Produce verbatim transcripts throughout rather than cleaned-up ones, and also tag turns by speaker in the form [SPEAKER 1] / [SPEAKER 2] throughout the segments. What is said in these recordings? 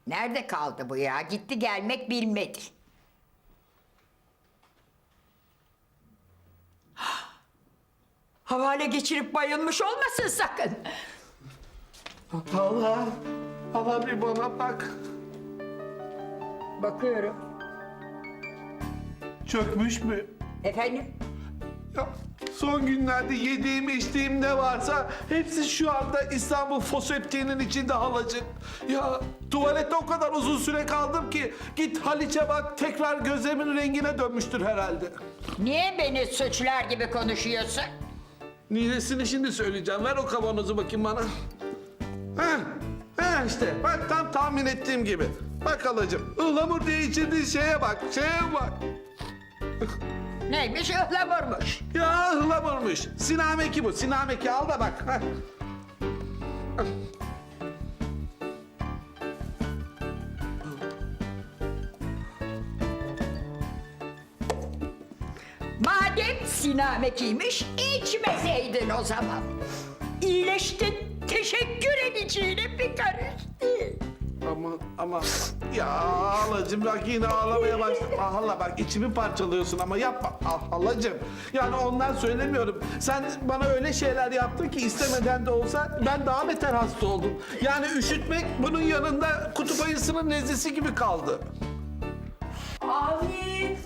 [SPEAKER 1] Nerede kaldı bu ya? Gitti gelmek bilmedi. Havale geçirip bayılmış olmasın sakın.
[SPEAKER 2] Hala, hala bir bana bak.
[SPEAKER 1] Bakıyorum.
[SPEAKER 2] Çökmüş mü?
[SPEAKER 1] Efendim?
[SPEAKER 2] Ya, son günlerde yediğim içtiğim ne varsa hepsi şu anda İstanbul foseptiğinin içinde halacık. Ya tuvalette o kadar uzun süre kaldım ki git Haliç'e bak tekrar gözlerimin rengine dönmüştür herhalde.
[SPEAKER 1] Niye beni suçlar gibi konuşuyorsun?
[SPEAKER 2] Ninesini şimdi söyleyeceğim. Ver o kavanozu bakayım bana. Ha, ha işte bak tam tahmin ettiğim gibi. Bak halacığım ıhlamur diye içirdiğin şeye bak, şeye bak.
[SPEAKER 1] Neymiş ıhlamurmuş.
[SPEAKER 2] Ya ıhlamurmuş. Sinameki bu, sinameki al da bak. Ha.
[SPEAKER 1] Madem sinamekiymiş içmeseydin o zaman. İyileştin, teşekkür edeceğine bir karış değil.
[SPEAKER 2] Ama ama ya halacığım bak yine ağlamaya başladım. Ah hala bak içimi parçalıyorsun ama yapma. Ah halacığım. Yani ondan söylemiyorum. Sen bana öyle şeyler yaptın ki istemeden de olsa ben daha beter hasta oldum. Yani üşütmek bunun yanında kutup ayısının nezlesi gibi kaldı.
[SPEAKER 3] Avni!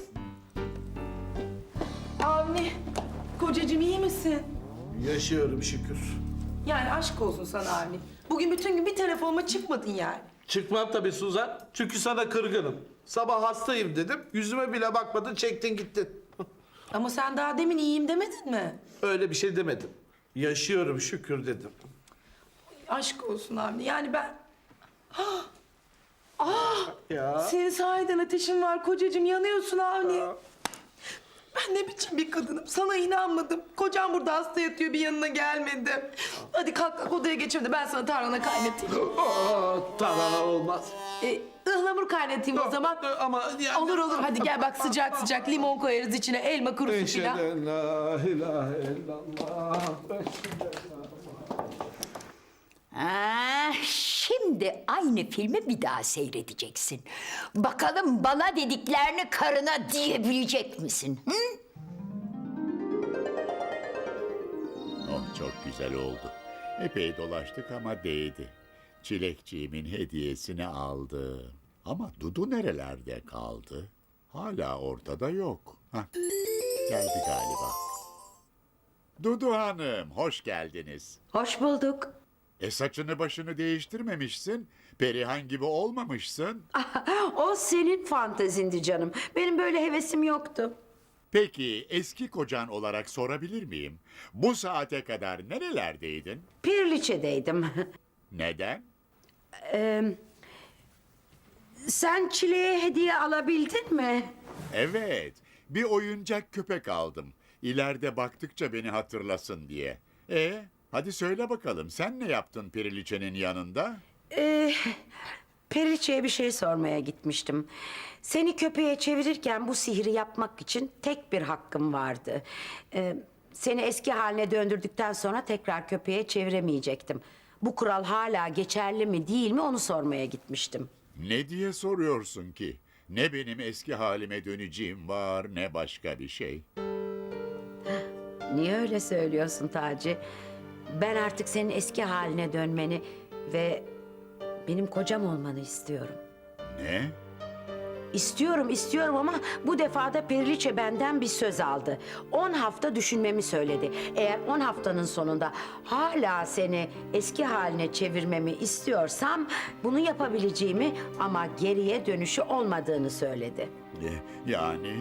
[SPEAKER 3] Avni! Kocacığım iyi misin?
[SPEAKER 2] Yaşıyorum şükür.
[SPEAKER 3] Yani aşk olsun sana Avni. Bugün bütün gün bir telefonuma çıkmadın yani.
[SPEAKER 2] Çıkmam tabii Suzan. Çünkü sana kırgınım. Sabah hastayım dedim. Yüzüme bile bakmadın, çektin gittin.
[SPEAKER 3] Ama sen daha demin iyiyim demedin mi?
[SPEAKER 2] Öyle bir şey demedim. Yaşıyorum şükür dedim.
[SPEAKER 3] Aşk olsun Avni. Yani ben... Ah! Ah!
[SPEAKER 2] Ya.
[SPEAKER 3] Senin sahiden ateşin var kocacığım. Yanıyorsun Avni. Ben ne biçim bir kadınım. Sana inanmadım. Kocam burada hasta yatıyor bir yanına gelmedim. Hadi kalk kalk odaya geçelim de ben sana tarhana kaynatayım.
[SPEAKER 2] Aa, tamam olmaz.
[SPEAKER 3] Ee, ıhlamur kaynatayım o zaman.
[SPEAKER 2] Ama yani...
[SPEAKER 3] Olur olur hadi gel bak sıcak sıcak limon koyarız içine elma kurusu
[SPEAKER 2] Eşhedü
[SPEAKER 3] filan.
[SPEAKER 2] en la ilahe illallah.
[SPEAKER 1] Ah, şimdi aynı filmi bir daha seyredeceksin. Bakalım bana dediklerini karına diyebilecek misin? Hı?
[SPEAKER 4] Oh çok güzel oldu. Epey dolaştık ama değdi. Çilekçiğimin hediyesini aldı. Ama Dudu nerelerde kaldı? Hala ortada yok. Hah, geldi galiba. Dudu Hanım, hoş geldiniz.
[SPEAKER 5] Hoş bulduk.
[SPEAKER 4] E saçını başını değiştirmemişsin. Perihan gibi olmamışsın.
[SPEAKER 5] O senin fantezindi canım. Benim böyle hevesim yoktu.
[SPEAKER 4] Peki eski kocan olarak sorabilir miyim? Bu saate kadar nerelerdeydin?
[SPEAKER 5] Pirliçe'deydim.
[SPEAKER 4] Neden?
[SPEAKER 5] Ee, sen Çile'ye hediye alabildin mi?
[SPEAKER 4] Evet, bir oyuncak köpek aldım. İleride baktıkça beni hatırlasın diye. E, hadi söyle bakalım sen ne yaptın Periliçe'nin yanında?
[SPEAKER 5] Ee, Periliçe'ye bir şey sormaya gitmiştim. Seni köpeğe çevirirken bu sihri yapmak için tek bir hakkım vardı. Ee, seni eski haline döndürdükten sonra tekrar köpeğe çeviremeyecektim. Bu kural hala geçerli mi değil mi onu sormaya gitmiştim.
[SPEAKER 4] Ne diye soruyorsun ki? Ne benim eski halime döneceğim var ne başka bir şey.
[SPEAKER 5] Niye öyle söylüyorsun Taci? Ben artık senin eski haline dönmeni ve benim kocam olmanı istiyorum.
[SPEAKER 4] Ne?
[SPEAKER 5] İstiyorum, istiyorum ama bu defa da Periliçe benden bir söz aldı. On hafta düşünmemi söyledi. Eğer on haftanın sonunda hala seni eski haline çevirmemi istiyorsam bunu yapabileceğimi ama geriye dönüşü olmadığını söyledi.
[SPEAKER 4] E, yani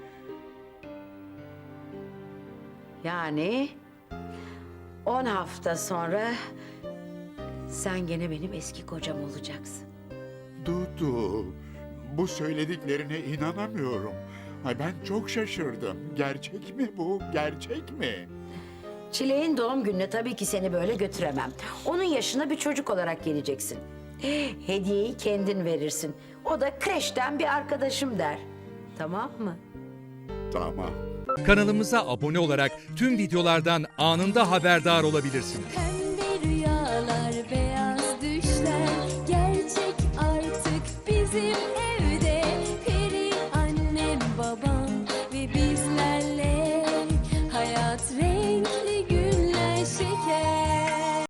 [SPEAKER 5] Yani on hafta sonra sen gene benim eski kocam olacaksın.
[SPEAKER 4] Dudu, bu söylediklerine inanamıyorum. Ay ben çok şaşırdım. Gerçek mi bu? Gerçek mi?
[SPEAKER 5] Çileğin doğum gününe tabii ki seni böyle götüremem. Onun yaşına bir çocuk olarak geleceksin. Hediyeyi kendin verirsin. O da kreşten bir arkadaşım der. Tamam mı?
[SPEAKER 4] Tamam.
[SPEAKER 6] Kanalımıza abone olarak tüm videolardan anında haberdar olabilirsiniz.